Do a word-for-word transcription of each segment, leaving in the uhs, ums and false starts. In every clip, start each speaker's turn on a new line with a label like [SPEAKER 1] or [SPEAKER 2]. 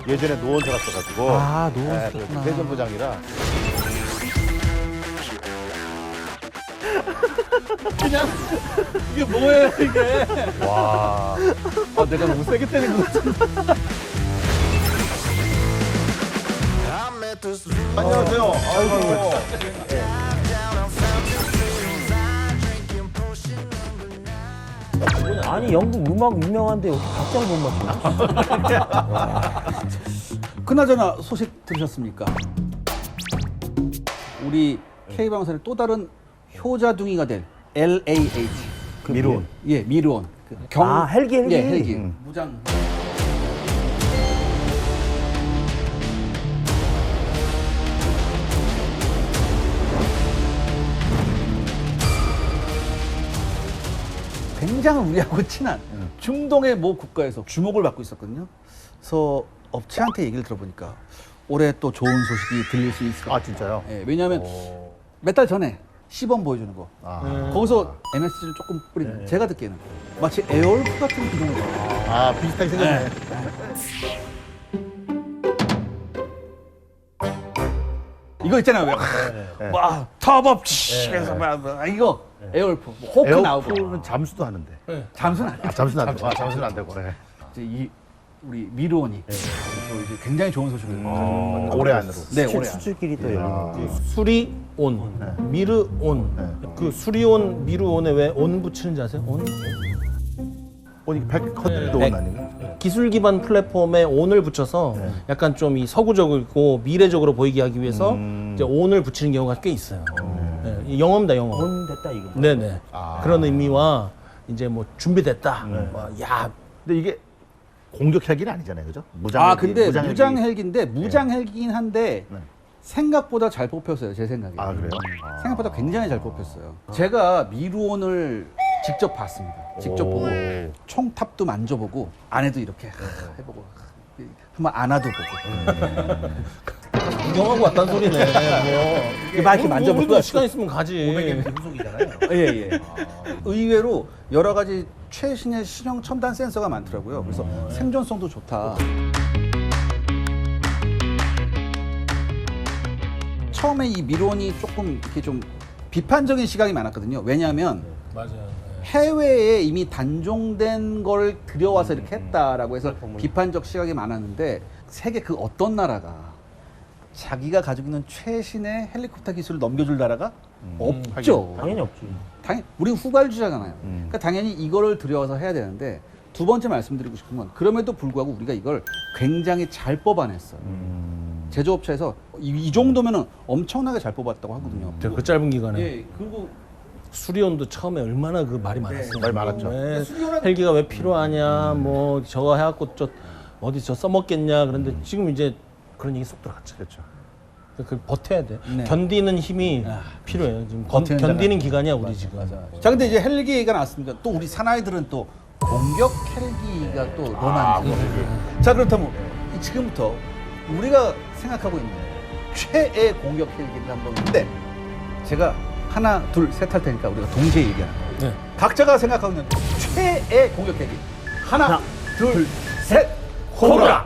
[SPEAKER 1] 예전에 노원서 갔어가지고.
[SPEAKER 2] 아, 노원서
[SPEAKER 1] 네,
[SPEAKER 2] 갔구나.
[SPEAKER 1] 대전부장이라.
[SPEAKER 2] 그냥 이게 뭐예요 이게?
[SPEAKER 1] 와.
[SPEAKER 2] 아, 내가 너무 세게 때린 것 같은데.
[SPEAKER 1] 안녕하세요. 아이고.
[SPEAKER 3] 아니 영국 음악 유명한데 어떻게 박자를 못 맞추나?
[SPEAKER 2] 그나저나 소식 들으셨습니까? 우리 K방송의 또 다른 효자둥이가 될 엘에이에이치 그
[SPEAKER 1] 미르온.
[SPEAKER 2] 예, 미르온. 그 경...
[SPEAKER 3] 아, 헬기, 헬기.
[SPEAKER 2] 예, 헬기.
[SPEAKER 1] 음.
[SPEAKER 2] 무장. 굉장히 우리하고 친한 중동의 모 국가에서 주목을 받고 있었거든요. 그래서 업체한테 얘기를 들어보니까 올해 또 좋은 소식이 들릴 수 있을 것
[SPEAKER 1] 아,
[SPEAKER 2] 같아요.
[SPEAKER 1] 진짜요?
[SPEAKER 2] 예, 왜냐하면
[SPEAKER 1] 오.
[SPEAKER 2] 몇 달 전에 시범 보여주는 거.
[SPEAKER 1] 아.
[SPEAKER 2] 거기서 엠에스지를 조금 뿌리는 제가 듣기에는 마치 에어울프 같은 기동을 해요.
[SPEAKER 1] 아, 비슷하게 생겼네.
[SPEAKER 2] 이거 있잖아요. 왜?
[SPEAKER 1] 네.
[SPEAKER 2] 와, 터법 해서 막 아, 이거 에어울프, 뭐 호크 나오고
[SPEAKER 1] 에어프는 잠수도 하는데.
[SPEAKER 2] 잠수는 안 돼.
[SPEAKER 1] 아, 잠수는 안 되고. 아, 잠수는 안 되고. 네.
[SPEAKER 2] 이제 이 우리 미르온이 또 이제 굉장히 좋은 소식을 가지고
[SPEAKER 1] 어, 올해 안으로.
[SPEAKER 2] 네,
[SPEAKER 3] 수출,
[SPEAKER 2] 올해 안.
[SPEAKER 3] 수출길이 또 열리는
[SPEAKER 4] 수리온, 미르온. 그 수리온, 미르온에 왜 온 붙이는지 아세요? 온?
[SPEAKER 1] 오니 백 컨트리도
[SPEAKER 4] 네.
[SPEAKER 1] 온 아닌가?
[SPEAKER 4] 기술 기반 플랫폼에 온을 붙여서 약간 좀 이 서구적이고 미래적으로 보이게 하기 위해서
[SPEAKER 1] 음.
[SPEAKER 4] 이제 온을 붙이는 경우가 꽤 있어요. 네, 이 영어입니다, 영어.
[SPEAKER 3] 온 됐다 이거.
[SPEAKER 4] 네네.
[SPEAKER 1] 아.
[SPEAKER 4] 그런 의미와 이제 뭐 준비됐다. 뭐, 야,
[SPEAKER 1] 근데 이게 공격 헬기는 아니잖아요, 그죠? 무장
[SPEAKER 2] 아,
[SPEAKER 1] 헬기,
[SPEAKER 2] 근데
[SPEAKER 1] 무장 헬기.
[SPEAKER 2] 무장 헬기인데 무장 헬기긴 한데
[SPEAKER 1] 네.
[SPEAKER 2] 생각보다 잘 뽑혔어요, 제 생각에.
[SPEAKER 1] 아, 그래요? 아.
[SPEAKER 2] 생각보다 굉장히 잘 뽑혔어요. 제가 미르온을 직접 봤습니다. 직접
[SPEAKER 1] 오.
[SPEAKER 2] 보고 총탑도 만져보고 안에도 이렇게 해보고 한번 안아도 보고.
[SPEAKER 4] 구경하고 왔단 소리네. 뭐.
[SPEAKER 2] 이렇게 막 이렇게 만져보고
[SPEAKER 4] 우리도 시간 있으면 가지.
[SPEAKER 2] 예, 예. 의외로 여러 가지 최신의 신형 첨단 센서가 많더라고요. 그래서 생존성도 좋다. 처음에 이 미론이 조금 이렇게 좀 비판적인 시각이 많았거든요. 왜냐하면
[SPEAKER 4] 맞아요.
[SPEAKER 2] 해외에 이미 단종된 걸 들여와서 이렇게 했다라고 해서 비판적 시각이 많았는데 세계 그 어떤 나라가 자기가 가지고 있는 최신의 헬리콥터 기술을 넘겨줄 나라가 없죠.
[SPEAKER 3] 당연히 없지.
[SPEAKER 2] 당연히 우리 후발주자잖아요.
[SPEAKER 1] 음.
[SPEAKER 2] 그러니까 당연히 이거를 들여와서 해야 되는데 두 번째 말씀드리고 싶은 건 그럼에도 불구하고 우리가 이걸 굉장히 잘 뽑아냈어요.
[SPEAKER 1] 음.
[SPEAKER 2] 제조업체에서 이, 이 정도면은 엄청나게 잘 뽑았다고 하거든요.
[SPEAKER 4] 그, 그 짧은 기간에.
[SPEAKER 2] 예, 그리고
[SPEAKER 4] 수리온도 처음에 얼마나 그 말이 많았어요.
[SPEAKER 1] 말 많았죠.
[SPEAKER 4] 왜
[SPEAKER 2] 수리온은-
[SPEAKER 4] 헬기가 왜 필요하냐, 뭐 저거 해갖고 저 어디 저 써먹겠냐. 그런데 지금 이제 그런 얘기 쏙 들어갔죠.
[SPEAKER 1] 그렇죠.
[SPEAKER 4] 그 버텨야 돼.
[SPEAKER 2] 네.
[SPEAKER 4] 견디는 힘이
[SPEAKER 2] 아,
[SPEAKER 4] 필요해요. 지금 건,
[SPEAKER 2] 버티는
[SPEAKER 4] 견디는
[SPEAKER 2] 자가-
[SPEAKER 4] 기간이야 우리 지금.
[SPEAKER 2] 자, 근데 이제 헬기가 나왔습니다. 또 우리 사나이들은 또 공격 헬기가 또 로망이죠. 자, 그렇다면 이 지금부터 우리가 생각하고 있는 최애 공격 헬기를 한번 근데 제가 하나, 둘, 셋 할 테니까 우리가 동시에 얘기하는 거예요.
[SPEAKER 4] 네.
[SPEAKER 2] 각자가 생각하고 있는 최애 공격 헬기. 하나, 둘, 셋.
[SPEAKER 4] 코브라.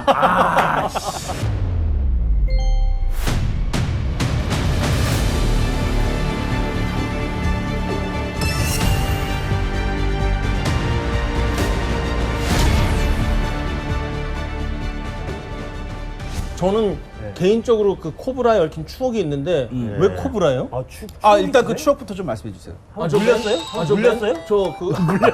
[SPEAKER 4] 저는 개인적으로 그 코브라에 얽힌 추억이 있는데 왜 코브라예요?
[SPEAKER 3] 아, 추,
[SPEAKER 2] 아, 일단 그 추억부터 좀 말씀해 주세요.
[SPEAKER 4] 아, 저 물렸어요? 아, 저
[SPEAKER 3] 물렸어요?
[SPEAKER 4] 저그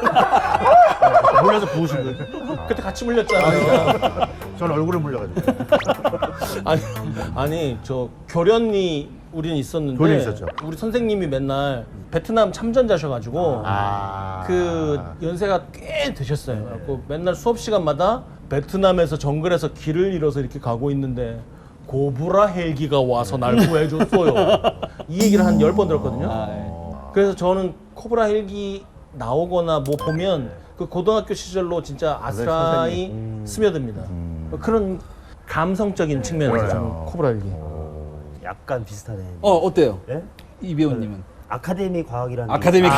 [SPEAKER 1] 몰라서 부으신 거예요?
[SPEAKER 4] 그때 같이 물렸잖아요.
[SPEAKER 1] 저는 얼굴에 물려가지고.
[SPEAKER 4] 아니, 아니 저 교련이 우리는 있었는데
[SPEAKER 1] 교련이 있었죠.
[SPEAKER 4] 우리 선생님이 맨날 베트남 참전자셔가지고
[SPEAKER 1] 아.
[SPEAKER 4] 그 연세가 꽤 되셨어요. 그래갖고 맨날 수업 시간마다 베트남에서 정글에서 길을 잃어서 이렇게 가고 있는데 고브라 헬기가 와서 날 구해줬어요. 이 얘기를 한 열 번 들었거든요.
[SPEAKER 2] 아, 예.
[SPEAKER 4] 그래서 저는 코브라 헬기 나오거나 뭐 보면 그 고등학교 시절로 진짜 아스라이 스며듭니다. 그런 감성적인 측면에서 저는 코브라 헬기.
[SPEAKER 3] 약간 비슷하네.
[SPEAKER 2] 어, 어때요?
[SPEAKER 3] 예?
[SPEAKER 2] 이 배우님은?
[SPEAKER 3] 아카데미 과학이라는.
[SPEAKER 2] 아카데미가.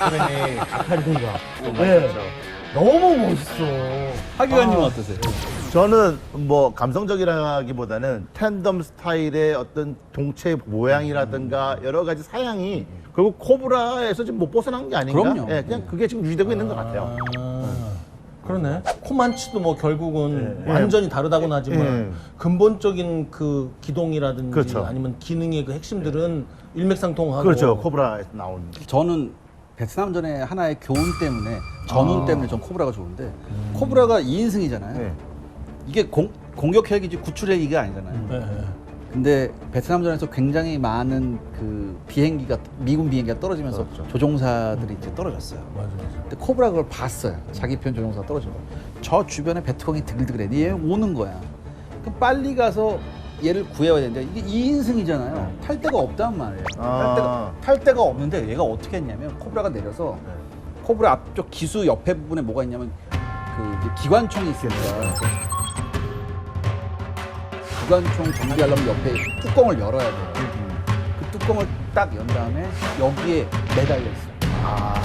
[SPEAKER 3] 아카데미 과학. 네. 너무 멋있어.
[SPEAKER 2] 하기관님은 어떠세요?
[SPEAKER 1] 저는 뭐 감성적이라기보다는 텐덤 스타일의 어떤 동체 모양이라든가 여러 가지 사양이 결국 코브라에서 지금 못 벗어난 게 아닌가?
[SPEAKER 2] 그럼요.
[SPEAKER 1] 예, 그냥 그게 지금 유지되고 있는 것 같아요.
[SPEAKER 4] 아, 그러네. 코만치도 뭐 결국은
[SPEAKER 1] 네.
[SPEAKER 4] 완전히 다르다고는 하지만
[SPEAKER 1] 네.
[SPEAKER 4] 근본적인 그 기동이라든지
[SPEAKER 1] 그렇죠.
[SPEAKER 4] 아니면 기능의 그 핵심들은 일맥상통하고.
[SPEAKER 1] 그렇죠. 코브라에서 나온.
[SPEAKER 2] 저는 베트남전의 하나의 교훈 때문에 전운 때문에 전 코브라가 좋은데 코브라가 이 인승이잖아요.
[SPEAKER 1] 네.
[SPEAKER 2] 이게 공, 공격 헬기지 구출 헬기가 아니잖아요.
[SPEAKER 4] 네, 네.
[SPEAKER 2] 근데 베트남전에서 굉장히 많은 그 비행기가 미군 비행기가 떨어지면서
[SPEAKER 1] 그렇죠.
[SPEAKER 2] 조종사들이 이제 떨어졌어요.
[SPEAKER 4] 맞아, 맞아.
[SPEAKER 2] 근데 코브라 그걸 봤어요. 자기 편 조종사가 떨어진 거. 저 주변에 베트콩이 드글드글해. 얘 오는 거야. 그럼 빨리 가서 얘를 구해야 되는데 이게 이 인승이잖아요. 탈 데가 없단 말이에요.
[SPEAKER 1] 아.
[SPEAKER 2] 탈 데가 탈 데가 없는데 얘가 어떻게 했냐면 코브라가 내려서 코브라 앞쪽 기수 옆에 부분에 뭐가 있냐면 그 이제 기관총이 있으니까 기관총 정비하려면 옆에 뚜껑을 열어야 돼요. 그 뚜껑을 딱 연 다음에 여기에 매달려 있어요.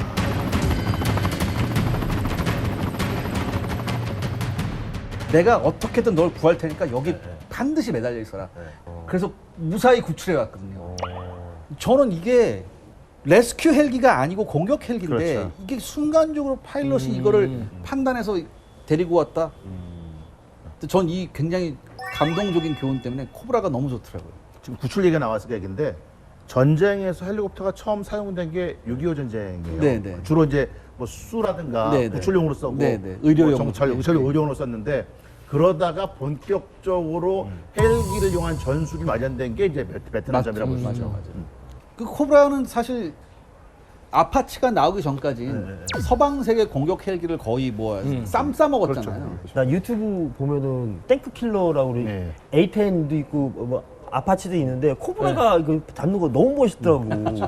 [SPEAKER 2] 내가 어떻게든 널 구할 테니까 여기 반드시 매달려 있어라. 그래서 무사히 구출해 왔거든요. 저는 이게 레스큐 헬기가 아니고 공격 헬기인데
[SPEAKER 1] 그렇죠.
[SPEAKER 2] 이게 순간적으로 파일럿이 이거를 판단해서 데리고 왔다. 전 이 굉장히 감동적인 교훈 때문에 코브라가 너무 좋더라고요.
[SPEAKER 1] 지금 구출 얘기가 나와서 그 얘기인데 전쟁에서 헬리콥터가 처음 사용된 게 육이오 전쟁이에요.
[SPEAKER 2] 네, 네.
[SPEAKER 1] 주로 이제 뭐 수라든가
[SPEAKER 2] 네, 네.
[SPEAKER 1] 구출용으로 쓰고
[SPEAKER 2] 네, 네. 의료용.
[SPEAKER 1] 뭐 정찰,
[SPEAKER 2] 네,
[SPEAKER 1] 의찰
[SPEAKER 2] 네.
[SPEAKER 1] 의료용으로 썼는데 그러다가 본격적으로 헬기를 이용한 전술이 마련된 게 이제 베- 베트남전이라고 볼 수
[SPEAKER 2] 맞아,
[SPEAKER 1] 있죠.
[SPEAKER 2] 맞아. 그 코브라는 사실 아파치가 나오기 전까지
[SPEAKER 1] 네,
[SPEAKER 2] 서방 세계 공격 헬기를 거의 뭐 쌈 싸 먹었잖아요.
[SPEAKER 3] 나 유튜브 보면은 탱크 킬러라고 우리
[SPEAKER 1] 네.
[SPEAKER 3] 에이 텐도 있고 뭐 아파치도 있는데 코브라가 이거 잡는 거 너무 멋있더라고.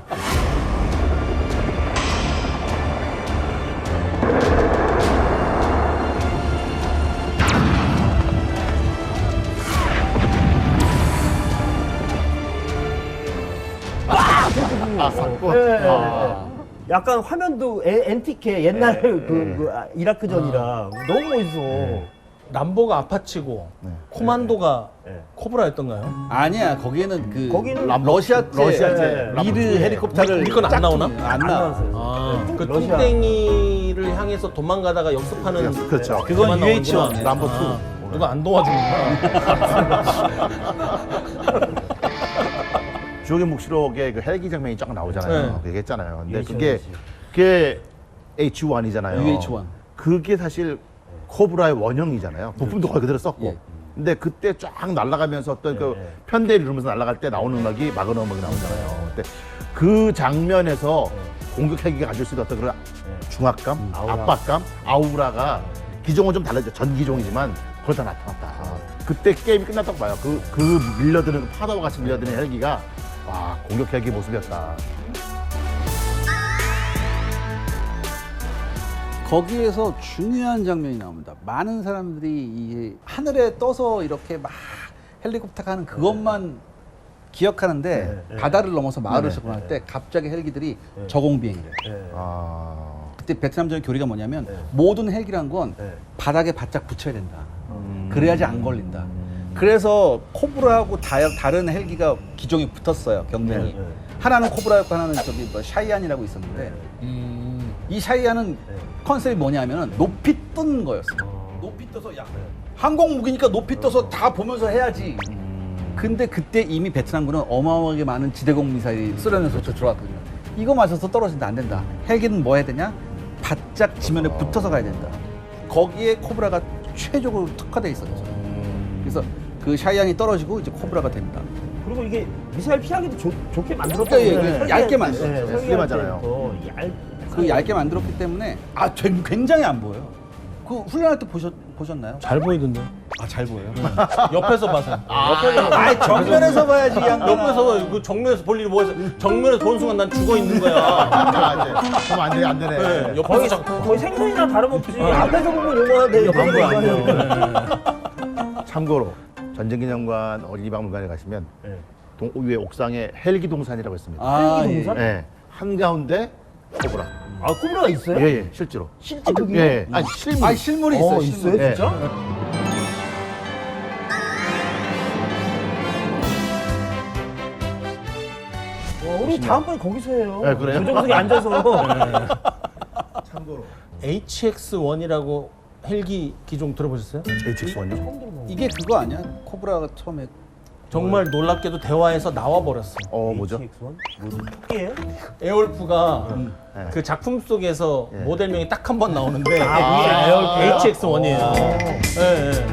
[SPEAKER 1] 아, 샀고.
[SPEAKER 3] 네, 네,
[SPEAKER 1] 아.
[SPEAKER 3] 네. 약간 화면도 에, 앤티케 옛날 그, 그 아, 이라크전이랑 너무 멋있어.
[SPEAKER 4] 남보가 아파치고 코만도가
[SPEAKER 3] 네.
[SPEAKER 4] 코브라였던가요?
[SPEAKER 2] 아니야, 거기에는 그
[SPEAKER 3] 거기는
[SPEAKER 2] 러시아제,
[SPEAKER 1] 러시아제,
[SPEAKER 2] 미드 헬리콥터를
[SPEAKER 4] 우리 건안 나오나?
[SPEAKER 2] 짝퉁- 안
[SPEAKER 3] 안
[SPEAKER 2] 나와.
[SPEAKER 3] 나왔어요.
[SPEAKER 4] 아, 그
[SPEAKER 3] 러시아.
[SPEAKER 4] 뚱땡이를 향해서 도망가다가 역습하는
[SPEAKER 1] 그렇죠.
[SPEAKER 2] 그건
[SPEAKER 4] 그만
[SPEAKER 2] 유에이치 원.
[SPEAKER 4] 나오는구나.
[SPEAKER 1] 남보 투.
[SPEAKER 4] 아, 누가 안 도와주는구나.
[SPEAKER 1] 주옥의 묵시록에 그 헬기 장면이 쫙 나오잖아요.
[SPEAKER 4] 네.
[SPEAKER 1] 그 얘기했잖아요. 근데
[SPEAKER 3] 유에이치
[SPEAKER 1] 그게
[SPEAKER 3] 원이지.
[SPEAKER 1] 그게 에이치 원이잖아요.
[SPEAKER 2] 유에이치 원.
[SPEAKER 1] 그게 사실 코브라의 원형이잖아요. 부품도 거의 그대로 썼고.
[SPEAKER 2] 예.
[SPEAKER 1] 근데 그때 쫙 날아가면서 어떤 그
[SPEAKER 3] 예.
[SPEAKER 1] 편대를 이루면서 날아갈 때 나오는 음악이 마그너 음악이 나오잖아요. 근데 그 장면에서 공격 헬기가 가질 수 있는 어떤 그런 중압감,
[SPEAKER 3] 아우라.
[SPEAKER 1] 압박감, 아우라가 기종은 좀 다르죠. 전 기종이지만 그걸 다 나타났다. 그때 게임이 끝났다고 봐요. 그, 그 밀려드는 그 파도와 같이 밀려드는 헬기가 와 공격 헬기 모습이었다.
[SPEAKER 2] 거기에서 중요한 장면이 나옵니다. 많은 사람들이 이 하늘에 떠서 이렇게 막 헬리콥터가 하는 그것만 기억하는데
[SPEAKER 3] 네, 네.
[SPEAKER 2] 바다를 넘어서 마을을
[SPEAKER 1] 네,
[SPEAKER 2] 접근할 때 갑자기 헬기들이
[SPEAKER 3] 네.
[SPEAKER 2] 저공 비행이래요.
[SPEAKER 3] 네.
[SPEAKER 1] 아.
[SPEAKER 2] 그때 베트남전의 교리가 뭐냐면
[SPEAKER 3] 네.
[SPEAKER 2] 모든 헬기란 건
[SPEAKER 3] 네.
[SPEAKER 2] 바닥에 바짝 붙여야 된다.
[SPEAKER 1] 음.
[SPEAKER 2] 그래야지 안 걸린다. 그래서 코브라하고 다, 다른 헬기가 기종이 붙었어요, 경쟁이.
[SPEAKER 3] 네, 네.
[SPEAKER 2] 하나는 코브라였고 하나는 저기 뭐 샤이안이라고 있었는데
[SPEAKER 4] 음,
[SPEAKER 2] 이 샤이안은 컨셉이 뭐냐면은 높이 뜬 거였어. 높이 떠서 야 항공 무기니까 높이 떠서 다 보면서 해야지. 근데 그때 이미 베트남군은 어마어마하게 많은 지대공 미사일이 쓰러내서 저 들어왔거든요. 이거 맞아서 떨어진다 안 된다. 헬기는 뭐 해야 되냐? 바짝 지면에 붙어서 가야 된다. 거기에 코브라가 최적으로 특화돼 있었죠. 그래서 그 샤이안이 떨어지고 이제 코브라가 됩니다.
[SPEAKER 3] 그리고 이게 미사일 피하기도 좋, 좋게 만들었다.
[SPEAKER 2] 예, 예, 얇게 만들었죠.
[SPEAKER 1] 슬림하잖아요.
[SPEAKER 3] 얇,
[SPEAKER 2] 그 얇게 만들었기 때문에 아 굉- 굉장히 안 보여요. 그 훈련할 때 보셨 보셨나요?
[SPEAKER 4] 잘 보이던데.
[SPEAKER 2] 아 잘 보여요.
[SPEAKER 4] 옆에서 봐서. 옆에서
[SPEAKER 2] 아 정면에서 봐야지 이 양반아.
[SPEAKER 4] 옆에서 그 정면에서 볼 일이 뭐겠어? 정면에서 보는 순간 난 죽어 있는 거야.
[SPEAKER 1] 아, 이제 그럼 안 돼, 안 되네.
[SPEAKER 4] 네, 옆에서
[SPEAKER 3] 거의,
[SPEAKER 4] 자꾸.
[SPEAKER 3] 거의 생선이랑 다름없지. 앞에서 보면 요거하는데 옆에서 보면
[SPEAKER 1] 참고로 전쟁기념관 어린이박물관에 가시면
[SPEAKER 3] 네.
[SPEAKER 1] 동, 위에 옥상에 헬기 동산이라고 있습니다.
[SPEAKER 2] 아,
[SPEAKER 3] 헬기
[SPEAKER 2] 예.
[SPEAKER 3] 동산?
[SPEAKER 1] 네, 한가운데 코브라.
[SPEAKER 3] 아, 코브라가 있어요?
[SPEAKER 1] 예, 예, 실제로.
[SPEAKER 3] 실제 그게?
[SPEAKER 1] 예, 아니 실물.
[SPEAKER 2] 아 실물이 있어요.
[SPEAKER 3] 어,
[SPEAKER 2] 실물.
[SPEAKER 3] 있어요?
[SPEAKER 1] 예.
[SPEAKER 3] 진짜? 어, 우리 다음번에 거기서 해요.
[SPEAKER 1] 네, 그래요?
[SPEAKER 3] 조정석에 앉아서.
[SPEAKER 4] 에이치엑스 원이라고 헬기 기종 들어보셨어요?
[SPEAKER 1] 에이치엑스 원이요?
[SPEAKER 2] 이게 그거 아니야? 코브라가 처음에
[SPEAKER 4] 정말 놀랍게도 대화에서 나와 버렸어.
[SPEAKER 1] 어 뭐죠?
[SPEAKER 3] 에이치엑스 원? 뭐지? 토끼예요?
[SPEAKER 4] 에어울프가
[SPEAKER 1] 네.
[SPEAKER 4] 그 작품 속에서
[SPEAKER 1] 예.
[SPEAKER 4] 모델명이 딱 한 번 나오는데
[SPEAKER 3] 아, 에어울프요?
[SPEAKER 4] 에이치엑스 원이에요.
[SPEAKER 3] 아.
[SPEAKER 4] 예, 예.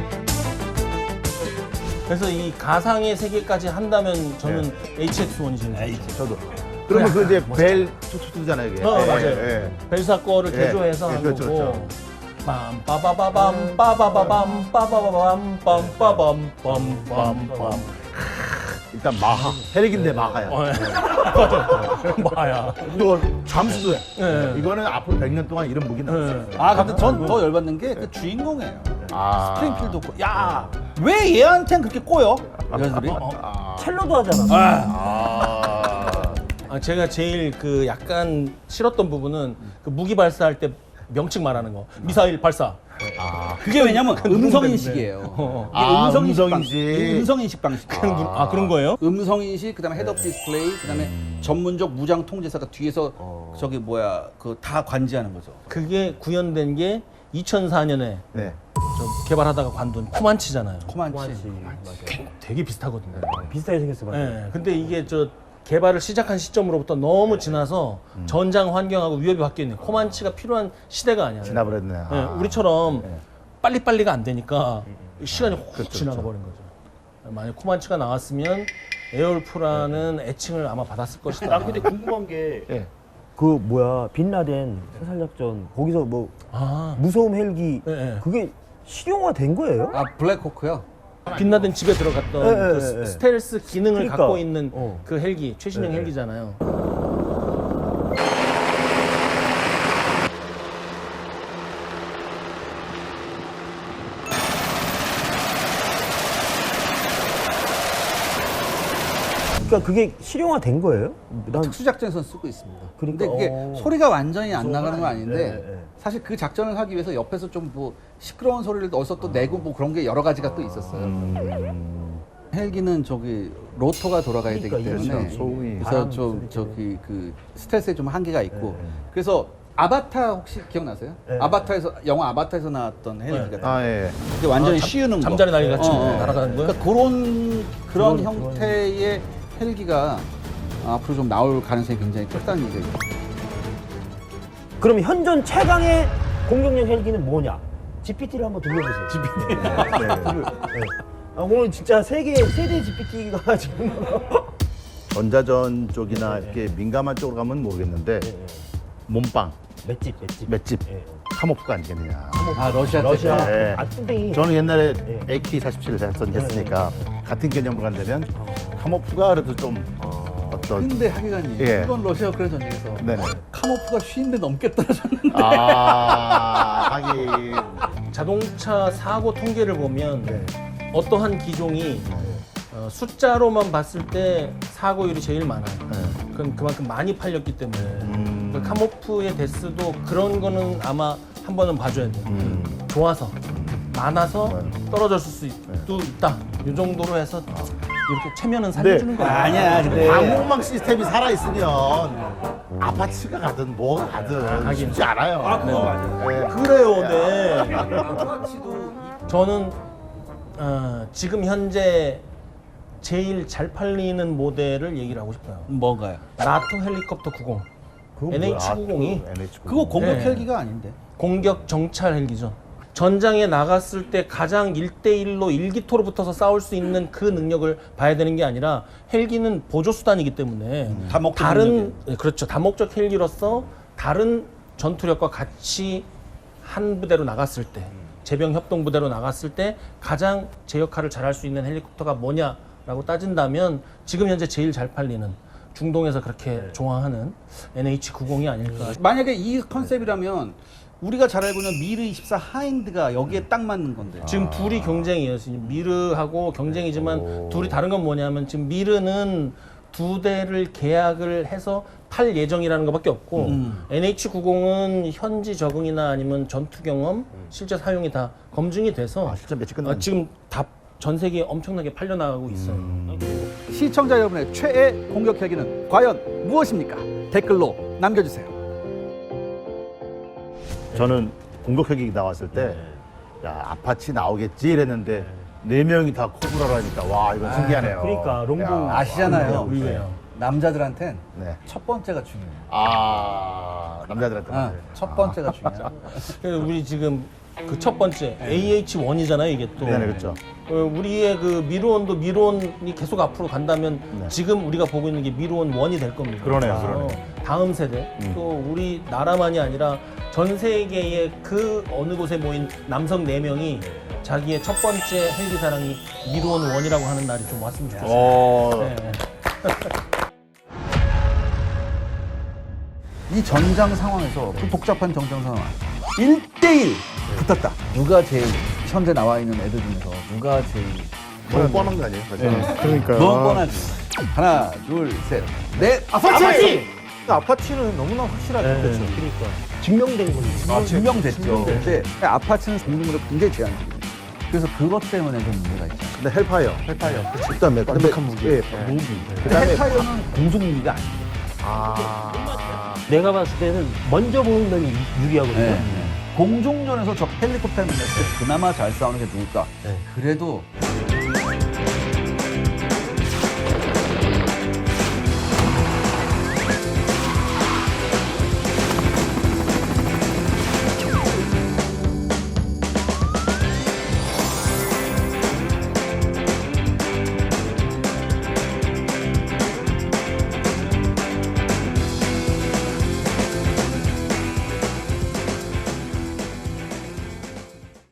[SPEAKER 4] 그래서 이 가상의 세계까지 한다면 저는 에이치엑스 원이 제일 좋죠.
[SPEAKER 1] 저도. 그러면 그 이제 벨 투투투잖아요 이게.
[SPEAKER 4] 어,
[SPEAKER 1] 예,
[SPEAKER 4] 맞아요.
[SPEAKER 1] 예.
[SPEAKER 4] 벨사 거를
[SPEAKER 1] 예.
[SPEAKER 4] 개조해서
[SPEAKER 1] 예,
[SPEAKER 4] 한
[SPEAKER 1] 그렇죠,
[SPEAKER 4] 거고.
[SPEAKER 1] 그렇죠.
[SPEAKER 4] 빰 빠바바밤 빠바바밤 빠바바밤 빰빠밤 빰빰빰.
[SPEAKER 1] 일단 마하. 헬기인데 마하야.
[SPEAKER 4] 어, 예. 맞아. 마야.
[SPEAKER 1] 이거 잠수도 해.
[SPEAKER 4] 예.
[SPEAKER 1] 이거는 앞으로 백 년 동안 이런 무기 나왔어요.
[SPEAKER 4] 예.
[SPEAKER 2] 아 근데 전 더 열받는 게 그 주인공이에요.
[SPEAKER 1] 아.
[SPEAKER 2] 스프링필드 꼬- 야, 왜 얘한텐 그렇게 꼬여? 얘들이?
[SPEAKER 1] 아.
[SPEAKER 3] 첼로도 하잖아.
[SPEAKER 1] 아.
[SPEAKER 4] 아, 제가 제일 그 약간 싫었던 부분은 그 무기 발사할 때 명칭 말하는 거. 미사일 발사.
[SPEAKER 1] 아.
[SPEAKER 2] 그게 왜냐면 음성인식이에요.
[SPEAKER 4] 어.
[SPEAKER 2] 이게
[SPEAKER 1] 아,
[SPEAKER 2] 음성인식,
[SPEAKER 1] 음성인식.
[SPEAKER 2] 방, 음성인식 방식.
[SPEAKER 4] 그런, 분- 아, 그런 거예요?
[SPEAKER 2] 음성인식, 그다음에 헤드업 디스플레이, 그다음에 전문적 무장 통제사가 뒤에서 저기 뭐야 그 다 관지하는 거죠.
[SPEAKER 4] 그게 구현된 게 이천사 년에
[SPEAKER 1] 네.
[SPEAKER 4] 저 개발하다가 관둔 코만치잖아요.
[SPEAKER 2] 코만치.
[SPEAKER 3] 맞아.
[SPEAKER 4] 되게 비슷하거든요.
[SPEAKER 3] 비슷하게 생겼어, 맞아.
[SPEAKER 4] 예. 근데 이게 저 개발을 시작한 시점으로부터 너무 지나서 전장 환경하고 위협이 바뀌어 있는 코만치가 필요한 시대가 아니야.
[SPEAKER 1] 지나버렸네.
[SPEAKER 4] 예,
[SPEAKER 1] 아.
[SPEAKER 4] 우리처럼
[SPEAKER 1] 네.
[SPEAKER 4] 빨리빨리가 안 되니까 시간이 확
[SPEAKER 1] 그렇죠,
[SPEAKER 4] 지나가 버린 거죠. 만약 코만치가 나왔으면 에어울프라는 애칭을 아마 받았을 것이다.
[SPEAKER 3] 난 근데 궁금한 게
[SPEAKER 1] 예.
[SPEAKER 3] 그 뭐야 빈라덴 사살작전 거기서 뭐
[SPEAKER 4] 아,
[SPEAKER 3] 무서움 헬기
[SPEAKER 4] 예, 예.
[SPEAKER 3] 그게 실용화 된 거예요?
[SPEAKER 2] 아 블랙호크요?
[SPEAKER 4] 빛나던 집에 들어갔던
[SPEAKER 3] 예,
[SPEAKER 4] 그
[SPEAKER 3] 예,
[SPEAKER 4] 스-
[SPEAKER 3] 예.
[SPEAKER 4] 스텔스 기능을
[SPEAKER 3] 그러니까.
[SPEAKER 4] 갖고 있는
[SPEAKER 3] 어.
[SPEAKER 4] 그 헬기, 최신형
[SPEAKER 3] 예, 예.
[SPEAKER 4] 헬기잖아요.
[SPEAKER 3] 그러니까 그게 실용화 된 거예요? 난
[SPEAKER 2] 특수작전에서 쓰고 있습니다.
[SPEAKER 3] 그러니까,
[SPEAKER 2] 근데 그게
[SPEAKER 3] 어.
[SPEAKER 2] 소리가 완전히 안 나가는 건 아닌데
[SPEAKER 3] 네, 네.
[SPEAKER 2] 사실 그 작전을 하기 위해서 옆에서 좀 뭐 시끄러운 소리를 어디서 또 내고 뭐 그런 게 여러 가지가 또 있었어요.
[SPEAKER 1] 음.
[SPEAKER 2] 헬기는 저기 로터가 돌아가야
[SPEAKER 3] 그러니까
[SPEAKER 2] 되기 때문에
[SPEAKER 3] 이렇죠.
[SPEAKER 1] 소음이.
[SPEAKER 2] 그래서
[SPEAKER 3] 바람
[SPEAKER 2] 좀
[SPEAKER 3] 소리
[SPEAKER 2] 저기 그 스트레스에 좀 한계가 있고
[SPEAKER 3] 네, 네.
[SPEAKER 2] 그래서 아바타 혹시 기억나세요?
[SPEAKER 3] 네.
[SPEAKER 2] 아바타에서 영화 아바타에서 나왔던 헬기가
[SPEAKER 1] 아 예.
[SPEAKER 2] 이게 완전히
[SPEAKER 4] 아, 잠-
[SPEAKER 2] 씌우는 거.
[SPEAKER 4] 잠자리 날개 같이
[SPEAKER 2] 어, 어.
[SPEAKER 4] 날아가는 거요?
[SPEAKER 2] 그러니까 그런 그런
[SPEAKER 3] 그런-
[SPEAKER 2] 형태의 헬기가 앞으로 좀 나올 가능성이 굉장히 크다는 얘기죠.
[SPEAKER 3] 그럼 현존 최강의 공격용 헬기는 뭐냐? 지피티를 한번 돌려보세요. 지피티. 아, 오늘 진짜 세계 세대 지피티가 지금
[SPEAKER 1] 전자전 쪽이나 이렇게 민감한 쪽으로 가면 모르겠는데 몸빵,
[SPEAKER 3] 맷집 맷집.
[SPEAKER 1] 맷집,
[SPEAKER 3] 예.
[SPEAKER 1] 카모프가 아니겠느냐.
[SPEAKER 2] 아 러시아 때.
[SPEAKER 3] 러시아.
[SPEAKER 1] 네.
[SPEAKER 3] 아 뚱땡이.
[SPEAKER 1] 저는 옛날에
[SPEAKER 3] 네.
[SPEAKER 1] 에이케이 사십칠을 했으니까 같은 개념으로 간다면 카모프가 그래도 좀 어떤
[SPEAKER 2] 근데 하기관이
[SPEAKER 1] 예.
[SPEAKER 2] 이번 러시아 우크라이나 전쟁에서
[SPEAKER 1] 네네.
[SPEAKER 2] 카모프가 쉰 대 넘게 떨어졌는데
[SPEAKER 1] 아 하긴
[SPEAKER 4] 자동차 사고 통계를 보면
[SPEAKER 1] 네.
[SPEAKER 4] 어떠한 기종이 어, 숫자로만 봤을 때 사고율이 제일 많아요.
[SPEAKER 1] 네.
[SPEAKER 4] 그건 그만큼 많이 팔렸기 때문에.
[SPEAKER 1] 음.
[SPEAKER 4] 그 카모프의 데스도 그런 거는 아마 한 번은 봐줘야 돼요.
[SPEAKER 1] 음.
[SPEAKER 4] 좋아서 많아서
[SPEAKER 1] 네.
[SPEAKER 4] 떨어졌을 수도 있다. 이 정도로 해서 이렇게 체면은
[SPEAKER 1] 네.
[SPEAKER 4] 살려주는 거야.
[SPEAKER 2] 아니야 근데
[SPEAKER 1] 방공망 시스템이 살아 있으면 아파트가 가든 뭐가 가든 쉽지 않아요. 아 그거 맞아요.
[SPEAKER 4] 그래요, 네. 저는 어, 지금 현재 제일 잘 팔리는 모델을 얘기를 하고 싶어요.
[SPEAKER 2] 뭔가요?
[SPEAKER 4] 나토 헬리콥터 구십.
[SPEAKER 1] 그거
[SPEAKER 4] 엔에이치
[SPEAKER 1] 뭐야?
[SPEAKER 4] 구십이
[SPEAKER 1] 아, 또 엔에이치 구십.
[SPEAKER 2] 그거 공격
[SPEAKER 4] 네.
[SPEAKER 2] 헬기가 아닌데.
[SPEAKER 4] 공격 정찰 헬기죠. 전장에 나갔을 때 가장 일 대일로 일기토로 붙어서 싸울 수 있는 그 능력을 봐야 되는 게 아니라 헬기는 보조 수단이기 때문에
[SPEAKER 2] 다목적
[SPEAKER 4] 다른
[SPEAKER 2] 능력이에요.
[SPEAKER 4] 네, 그렇죠. 다목적 헬기로서 다른 전투력과 같이 한 부대로 나갔을 때 제병 협동 부대로 나갔을 때 가장 제 역할을 잘할 수 있는 헬리콥터가 뭐냐라고 따진다면 지금 현재 제일 잘 팔리는 중동에서 그렇게 좋아하는 엔에이치 구십이 아닐까.
[SPEAKER 2] 만약에 이 컨셉이라면 우리가 잘 알고 있는 미르 이십사 하인드가 여기에 딱 맞는 건데.
[SPEAKER 4] 지금 둘이 경쟁이에요. 지금 미르하고 경쟁이지만 둘이 다른 건 뭐냐면 지금 미르는 두 대를 계약을 해서 팔 예정이라는 것밖에 없고
[SPEAKER 2] 음.
[SPEAKER 4] 엔에이치 구십은 현지 적응이나 아니면 전투 경험, 실제 사용이 다 검증이 돼서
[SPEAKER 1] 아, 실제 매치
[SPEAKER 4] 어,
[SPEAKER 1] 끝났네.
[SPEAKER 4] 지금 다 전 세계에 엄청나게 팔려나가고 있어요.
[SPEAKER 2] 시청자 여러분의 최애 공격 헬기는 과연 무엇입니까? 댓글로 남겨주세요.
[SPEAKER 1] 저는 공격 헬기 나왔을 때, 야, 아파치 나오겠지 이랬는데, 네 명이 다 코브라라니까, 와, 이건 신기하네요.
[SPEAKER 3] 그러니까, 롱보
[SPEAKER 1] 야,
[SPEAKER 2] 아시잖아요.
[SPEAKER 4] 의외야.
[SPEAKER 2] 남자들한텐
[SPEAKER 1] 네.
[SPEAKER 2] 첫 번째가 중요해요.
[SPEAKER 1] 아, 남자들한테.
[SPEAKER 2] 아, 첫 번째가 중요해요.
[SPEAKER 4] 그래서 우리 지금 그 첫 번째 에이에이치 원이잖아요, 이게 또.
[SPEAKER 1] 네, 네, 그렇죠.
[SPEAKER 4] 어, 우리의 그 미르온도 미르온이 계속 앞으로 간다면
[SPEAKER 1] 네.
[SPEAKER 4] 지금 우리가 보고 있는 게 미르온 원이 될 겁니다.
[SPEAKER 1] 그러네요,
[SPEAKER 4] 어,
[SPEAKER 1] 그러네요.
[SPEAKER 4] 다음 세대 또 우리 나라만이 아니라 전 세계의 그 어느 곳에 모인 남성 네 명이 자기의 첫 번째 헬기 사랑이 미르온 원이라고 하는 날이 좀 왔으면 좋겠어요.
[SPEAKER 1] 어,
[SPEAKER 4] 네.
[SPEAKER 2] 이 전장 상황에서 그 복잡한 전장 상황 일 대일 붙었다. 누가 제일 현재 나와 있는 애들 중에서 누가 제일
[SPEAKER 1] 너무 뻔한 거 아니에요?
[SPEAKER 5] 그러니까
[SPEAKER 2] 너무 뻔하지. 하나, 둘, 셋, 넷.
[SPEAKER 3] 아파치!
[SPEAKER 5] 아파치는 너무나 확실하죠.
[SPEAKER 3] 네,
[SPEAKER 5] 그렇죠.
[SPEAKER 3] 그러니까 증명된 거지.
[SPEAKER 2] 아, 증명됐죠. 근데 아파트는 공중으로 굉장히 제한적이에요. 그래서 그것 때문에 좀 문제가 있죠.
[SPEAKER 1] 근데 헬파이어. 헬파이어. 그다음에 완벽한 무기. 예, 무기. 그다음에
[SPEAKER 2] 헬파이어는 공중 무기가 아니에요.
[SPEAKER 1] 아.
[SPEAKER 3] 내가 봤을 때는 먼저 보는 면이 유리하거든요.
[SPEAKER 2] 네. 공중전에서 저 헬리콥터 만났을 때 그나마 잘 싸우는 게 누굴까?
[SPEAKER 3] 네.
[SPEAKER 2] 그래도